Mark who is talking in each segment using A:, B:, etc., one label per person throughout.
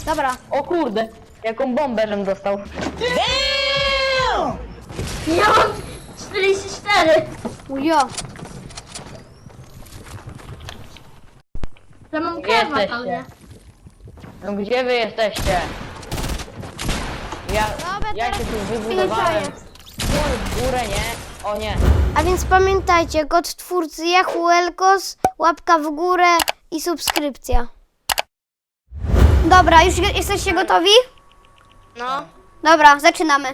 A: Dobra.
B: O kurde, jaką bombę żem dostał.
C: Ja mam 44.
A: Ujo.
C: Ja mam
B: Gdzie
C: kewa,
B: jesteście?
C: ale...
B: No gdzie wy jesteście?
A: Dobra,
B: Ja
A: teraz
B: się tu wybudowałem.
A: jest.
B: W górę, nie? O nie.
A: A więc pamiętajcie, kod twórcy Yahoo Elkos, łapka w górę i subskrypcja. Dobra, już jesteście gotowi?
C: No.
A: Dobra, zaczynamy.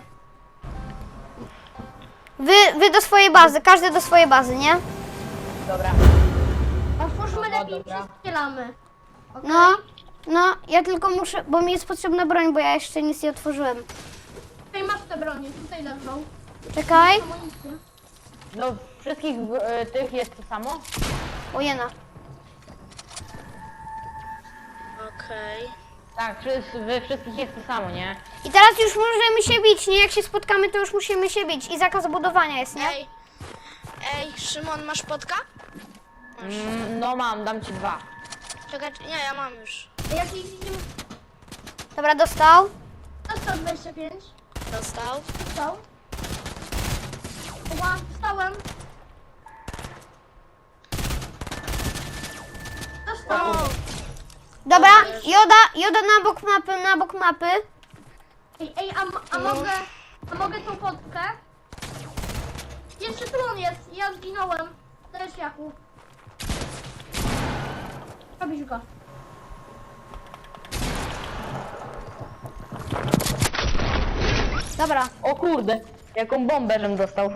A: Wy do swojej bazy, każdy do swojej bazy, nie?
B: Dobra.
C: Otwórzmy
B: No,
C: lepiej,
B: dobra.
C: przestrzelamy. Okay?
A: No, ja tylko muszę, bo mi jest potrzebna broń, bo ja jeszcze nic nie otworzyłem.
C: Tutaj masz te bronie, tutaj leżą.
A: Czekaj.
C: Amunicję.
B: No wszystkich tych jest to samo?
A: Ojena.
C: Okej.
B: Tak, wy wszystkich jest to samo, nie?
A: I teraz już możemy się bić, nie? Jak się spotkamy, to już musimy się bić. I zakaz budowania jest, nie?
D: Ej, Szymon, masz potka?
B: No mam, dam ci 2.
D: Czekaj, nie, ja mam już.
C: Jakiś idziemy...
A: Dobra, dostał.
C: Dostał 25.
D: Dostał.
C: Dostał. Ła, wstałem. Dostał.
A: Dobra, Joda na bok mapy.
C: Ej, a mogę tą potkę? Jeszcze tu on jest, ja zginąłem. Też Jakub. Robisz go.
A: Dobra.
B: O kurde, jaką bombę żem dostał.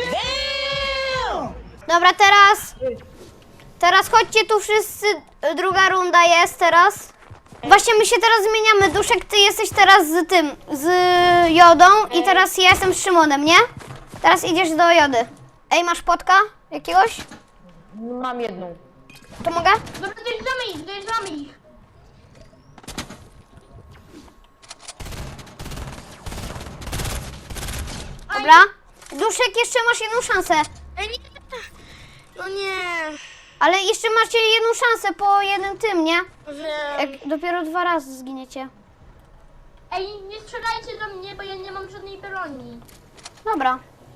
A: Dobra, teraz chodźcie tu wszyscy, druga runda jest teraz. Właśnie my się teraz zmieniamy, Duszek, ty jesteś teraz z Jodą i teraz ja jestem z Szymonem, nie? Teraz idziesz do Jody. Ej, masz potka jakiegoś?
B: Mam jedną.
A: To mogę?
C: Dobra, dojeżdżamy ich.
A: Dobra. Duszek, jeszcze masz jedną szansę.
D: Ej, nie! No nie!
A: Ale jeszcze macie jedną szansę po jednym tym, nie?
D: Wiem.
A: Jak dopiero 2 razy zginiecie.
C: Ej, nie strzelajcie do mnie, bo ja nie mam żadnej broni.
A: Dobra.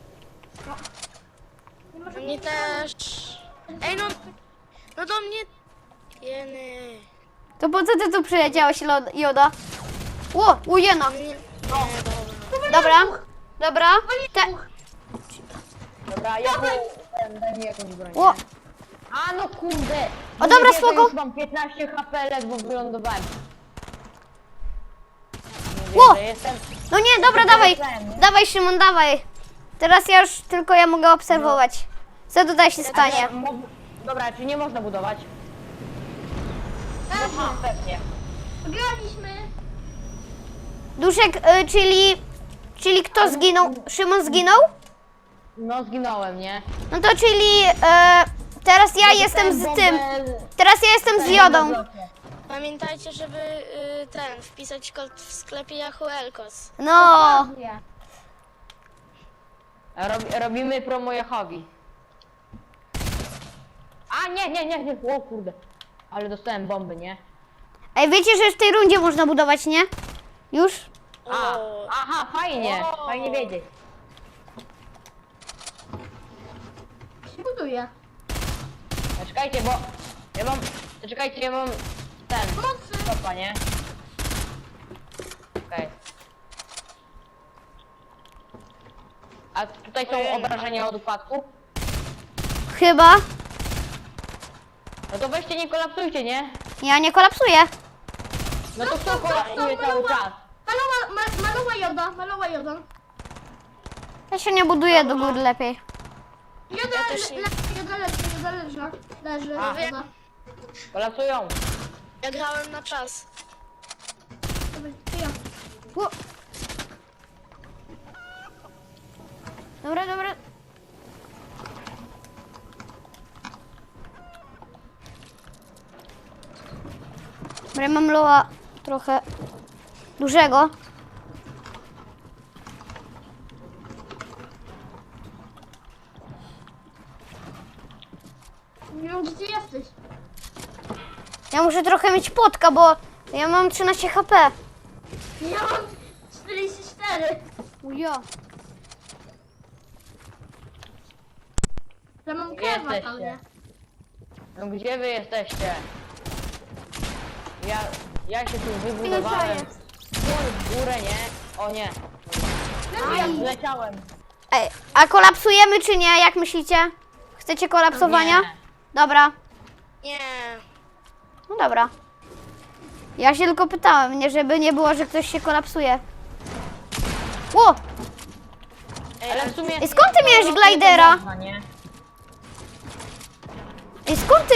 C: Nie ma
D: Do
C: żadnej
D: mnie też. Ej, no do mnie... Jeny.
A: To po co ty tu przyleciałeś, Joda? Ło, ujena.
D: Nie,
A: Dobra. Dobra.
B: Dobra, ja daj mi jakąś broń.
A: Ło.
B: A no kurde.
A: O, dobra,
B: Nie, to
A: spoko.
B: już mam 15 HP, ledwo wylądowałem. Nie
A: Ło.
B: wierzę, jestem...
A: No nie, dobra, dawaj. Dawaj, Szymon, dawaj. Teraz ja już tylko ja mogę obserwować. Co tutaj się stanie?
B: Dobra, czy nie można budować? Aha, pewnie.
C: Wygraliśmy.
A: Duszek, czyli kto zginął? Szymon zginął?
B: No zginąłem, nie?
A: No to czyli teraz ja jestem z tym. Teraz ja jestem z Jodą.
D: Pamiętajcie, żeby wpisać kod w sklepie Yahoo Elkos.
A: No.
C: Nie.
B: Robimy promo Jahowi. A nie. O kurde. Ale dostałem bomby, nie?
A: Ej, wiecie, że w tej rundzie można budować, nie? Już?
B: Aha, fajnie. Fajnie wiedzieć.
C: Się buduje.
B: Czekajcie, bo ja mam... Czekajcie, ja mam ten...
C: Pomocy.
B: Stopa, nie? Okej. A tutaj są obrażenia od upadku?
A: Chyba.
B: No to weźcie, nie kolapsujcie, nie?
A: Ja nie kolapsuję.
B: No to kto kolapsuje cały czas?
C: Malowa joda.
A: Ja się nie buduję do góry lepiej.
C: Joda
D: też nie.
C: leży.
B: A.
C: Joda.
B: Kolapsują.
D: Ja grałem na czas.
C: Dobra, to ja.
A: Ło. Dobra. Dobra, mam loa trochę dużego.
C: Nie wiem, gdzie ty jesteś.
A: Ja muszę trochę mieć potka, bo Ja mam 13 HP.
C: Ja mam 44.
A: Ujo.
C: Ja mam
B: Gdzie
C: kewa,
B: jesteście?
C: ale...
B: No gdzie wy jesteście? Ja się tu wybudowałem. W górę, nie? O nie. Ja zleciałem.
A: Ej, a kolapsujemy czy nie? Jak myślicie? Chcecie kolapsowania?
B: Nie.
A: Dobra.
D: Nie.
A: No dobra. Ja się tylko pytałem, nie żeby nie było, że ktoś się kolapsuje. Ło!
B: Ale w sumie...
A: I skąd ty miałeś glidera?
B: Można, nie?
A: I skąd ty...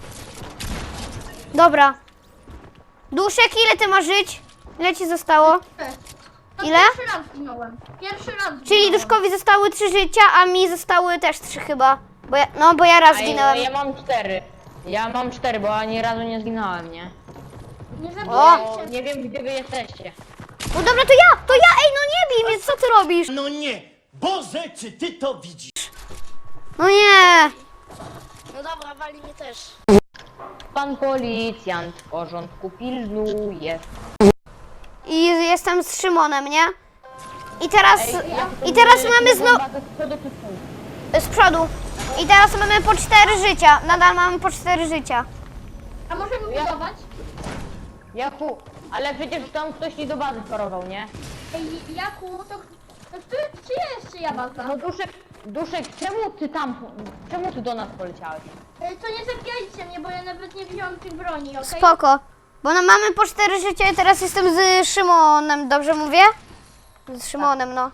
A: Dobra. Duszek, ile ty masz żyć? Ile ci zostało?
C: No,
A: Ile?
C: Pierwszy raz zginąłem. Pierwszy raz
A: Czyli
C: zginąłem.
A: Duszkowi zostały 3 życia, a mi zostały też 3 chyba. Bo ja raz
B: Ej,
A: zginąłem.
B: ja mam 4. Ja mam 4, bo ani razu nie zginąłem, nie?
C: Nie
A: O!
B: Bo
C: zabijajcie.
B: nie wiem, gdzie wy jesteście.
A: No dobra, to ja, ej, no nie bij mnie, co ty robisz?
E: No nie! Boże, czy ty to widzisz?
A: No nie.
D: No dobra, wali mnie też.
B: Pan policjant w porządku pilnuje.
A: I jestem z Szymonem, nie? I teraz mamy znowu... Z przodu. I teraz mamy po 4 życia. Nadal mamy po 4 życia.
C: A możemy budować?
B: Jaku, ale przecież tam ktoś ci do bazy chorował, nie?
C: Ej, Jaku, to czyja jeszcze ja baza?
B: No Duszek, czemu ty do nas poleciałeś?
C: To nie zabijajcie mnie, bo ja nawet nie wziąłem tych broni, okej?
A: Spoko. Bo no mamy po 4 życia i teraz jestem z Szymonem, dobrze mówię? Z Szymonem, no.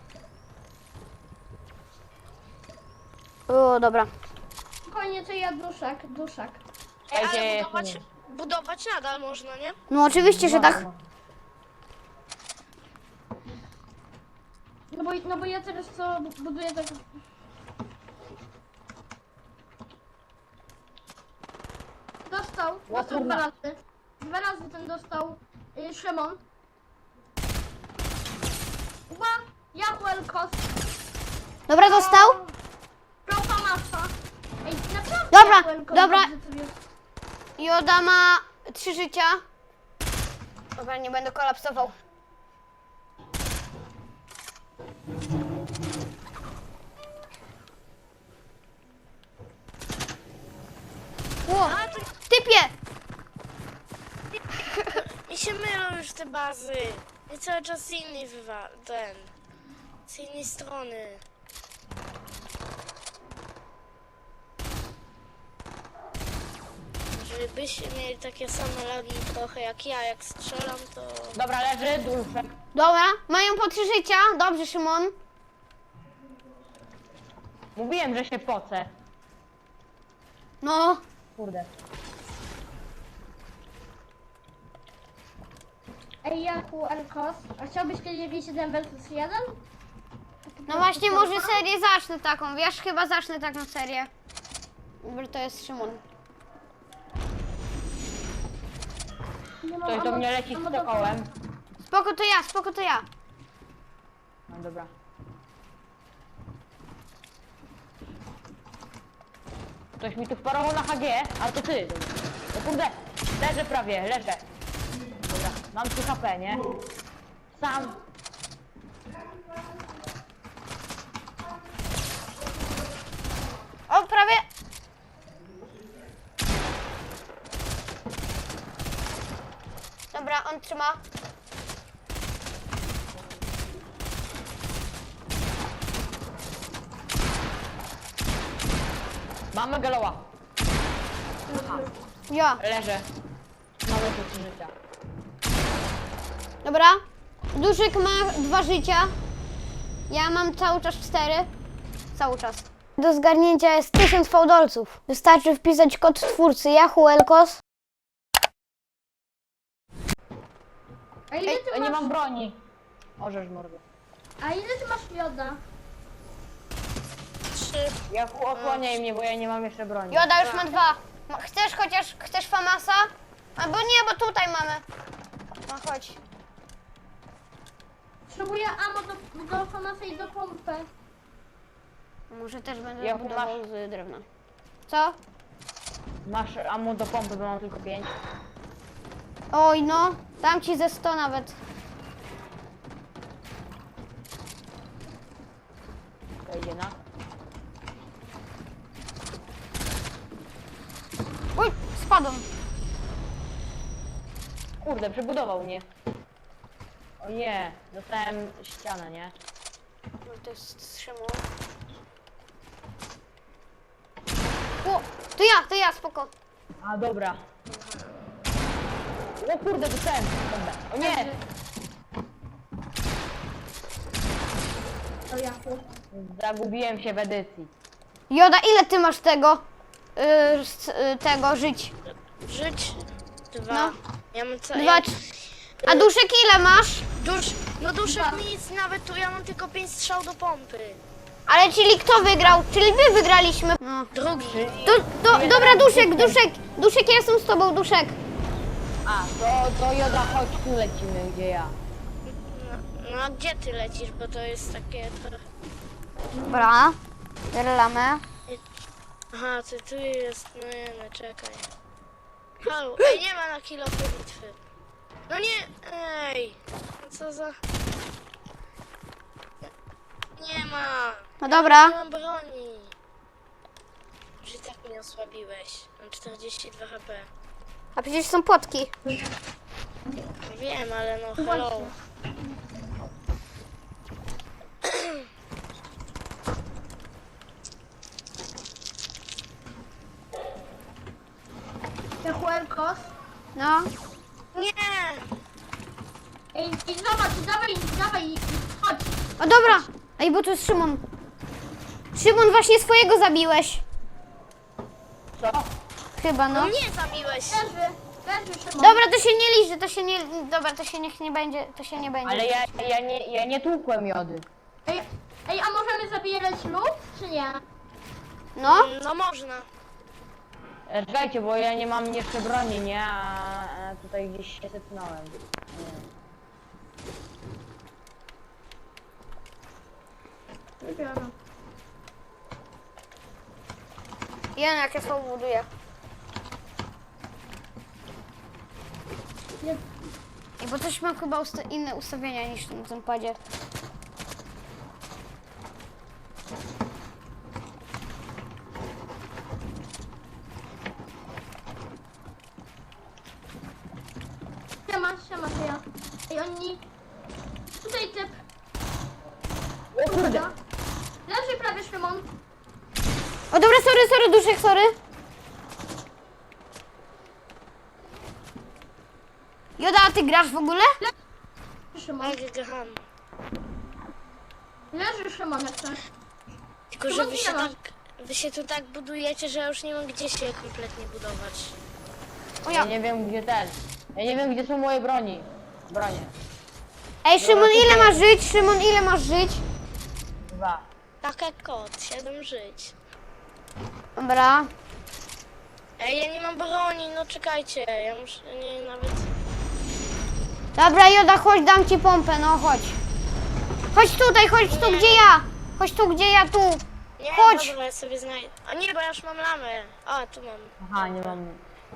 A: O, dobra.
C: Spokojnie, to ja duszak.
D: Ej,
B: Ej,
D: ale
B: gdzie
D: budować nadal można, nie?
A: No oczywiście, że tak.
C: No bo ja teraz co buduję tak... Dostał 2 razy. 2 razy ten dostał Szymon. Ła! Jaku Elkos.
A: Dobra, dostał?
C: Profa masa. Ej, naprawdę
A: Dobra,
C: Jaku Elkos
A: dobra.
C: dobrze sobie-
A: Joda ma 3 życia. Dobra, nie będę kolapsował. Ło,
D: A, to
A: typie!
D: mi się mylą już te bazy. I cały czas z innej z innej strony. Żebyście mieli takie same lagi trochę jak ja, jak strzelam to...
B: Dobra, leży Duszek.
A: Dobra, mają po 3 życia. Dobrze, Szymon.
B: Mówiłem, że się pocę.
A: No,
B: Kurde.
C: Ej, Jaku Elkos. A chciałbyś kiedyś wziąć 1 vs 1?
A: no właśnie może serię zacznę taką. Wiesz, chyba zacznę taką serię. Dobra, to jest Szymon.
C: Nie mam
B: Ktoś do mnie leci z sokołem.
A: Spoko to ja.
B: No dobra. Ktoś mi tu wparował na HG, a to ty. O kurde, leżę prawie, leżę. Dobra, mam 3 HP, nie? Sam.
A: O, prawie. Dobra, on trzyma.
B: Mamy galoła.
A: Ja.
B: Leżę. Mamy tu 3 życia.
A: Dobra. Duszek ma 2 życia. Ja mam cały czas 4. Cały czas. Do zgarnięcia jest 1000 fałdolców. Wystarczy wpisać kod twórcy Yahoo Elkos.
C: A ile ty
B: Ja nie
C: masz...
B: mam broni. Orzesz mordę.
C: A ile ty masz mioda?
D: 3.
B: Ja osłaniaj mnie, bo ja nie mam jeszcze broni.
A: Joda już ma 2. Chcesz famasa? Albo nie, bo tutaj mamy. No chodź.
C: Potrzebuję ammo do famasa i do pompy.
A: Może też będę
B: Jaku
A: budował z drewna. Co?
B: Masz ammo do pompy, bo mam tylko 5.
A: Oj no, dam ci ze 100 nawet.
B: Wejdzie na.
A: Oj, spadłem.
B: Kurde, przebudował mnie. O nie, dostałem ścianę, nie?
D: No to jest Szymon.
A: O, to ja, spoko.
B: A dobra. O kurde, dostałem. Dobra. O nie!
C: To ja.
B: Zagubiłem się w edycji.
A: Joda, ile ty masz tego? Tego żyć?
D: Żyć? 2.
A: No.
D: Ja mam co?
A: Dwa, a duszek ile masz?
D: No duszek nic, nawet tu ja mam tylko 5 strzał do pompy.
A: Ale czyli kto wygrał? Czyli my wygraliśmy. No.
D: Drugi.
A: Dobra, Duszek, ja jestem z tobą, Duszek.
B: A, to Joda, chodź, tu lecimy, gdzie ja.
D: No a gdzie ty lecisz, bo to jest takie trochę...
A: Dobra, strzelamy.
D: Aha, ty tu jest, no nie, no czekaj. Halo, ej, nie ma na kilofy bitwy. No nie, ej, co za... Nie ma,
A: No dobra.
D: nie mam broni. Już i tak mnie osłabiłeś, mam 42 HP.
A: A przecież są płotki.
D: Wiem, ale no hello.
C: Te Huelkos.
A: No.
D: Nie!
C: Ej, i zobacz, dawaj, chodź.
A: O dobra. Ej, bo to jest Szymon. Szymon, właśnie swojego zabiłeś.
B: Co?
A: Chyba, no.
D: No mnie zabiłeś!
C: Leży, Szymon.
A: Dobra, to się nie liczy, to się nie... Dobra, to się niech nie będzie, to się nie będzie.
B: Ale ja nie tłukłem Jody.
C: Ej, a możemy zabierać lód, czy nie?
A: No.
D: No można.
B: Czekajcie, bo ja nie mam jeszcze broni, nie? A tutaj gdzieś się zepnąłem.
C: Wybiorę.
A: Ja jak ja słowo buduję.
C: Nie.
A: Ej, bo coś mam chyba inne ustawienia niż w tym padzie.
C: Siema, to ja. Ej, oni... Tutaj typ.
B: O kurde!
C: Leży prawie Szymon.
A: O dobra, sorry, Duszek, sorry. Joda, a ty grasz w ogóle?
C: Szymon.
D: Geham.
C: Leży Szymon jak coś.
D: Tylko, że wy się tu tak budujecie, że ja już nie mam gdzie się kompletnie budować.
A: O
B: Ja
A: ja.
B: nie wiem gdzie ten. Ja nie wiem gdzie są moje bronie.
A: Ej, Szymon, ile masz żyć? Szymon, ile masz żyć?
B: 2.
D: Tak jak kot, 7 żyć.
A: Dobra.
D: Ej, ja nie mam broni, no czekajcie, ja muszę, nie, nawet...
A: Dobra, Joda, chodź, dam ci pompę, no chodź. Chodź tutaj, chodź tu, gdzie ja. Chodź tu, gdzie ja, tu.
D: Nie,
A: Chodź.
D: dobra, ja sobie znajdę. A nie, bo ja już mam lamę. A, tu mam.
B: Aha, nie mam.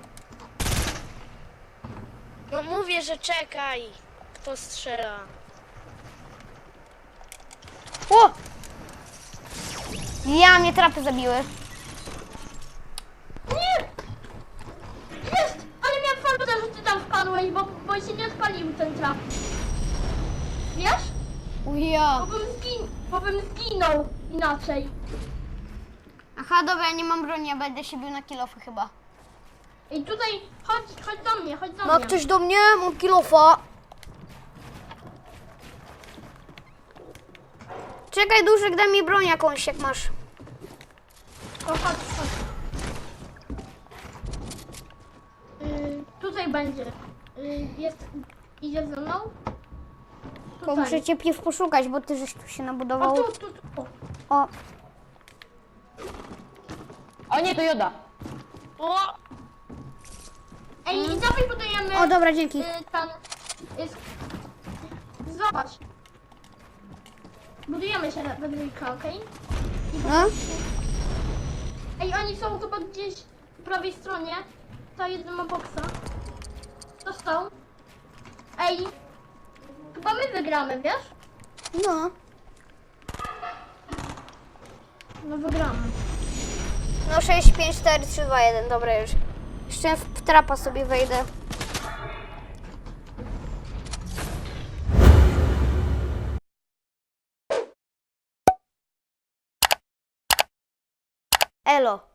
D: No mówię, że czekaj. Kto strzela?
A: O! Ja, mnie trapy zabiły.
C: Nie! Jest! Ale miałem farmę, że ty tam wpadłeś, bo się nie odpalił ten trap. Wiesz?
A: O ja.
C: Bo bym zginął inaczej.
A: Aha, dobra, ja nie mam broni, ja będę się bił na kilofy chyba.
C: Ej, tutaj, chodź do mnie, chodź do
A: Ma
C: mnie.
A: ktoś do mnie? Mam kilofa. Czekaj, Duszek, daj mi broń jakąś, jak masz.
C: O, chodź. Tutaj będzie. Idzie ze mną?
A: Bo muszę cię piw poszukać, bo ty żeś tu się
C: O,
A: nabudował.
C: tu.
A: O,
B: O nie, to Joda!
D: O!
C: Ej, dawaj budujemy.
A: o dobra, dzięki.
C: Zobacz. Budujemy się we dwójkę, okej?
A: No.
C: Ej, oni są chyba gdzieś po prawej stronie. To jeden ma boksa. To dostał. Ej, chyba my wygramy, wiesz?
A: No.
C: No wygramy.
A: No 6, 5, 4, 3, 2, 1. Dobra już. Jeszcze w trapa sobie wejdę. Elo.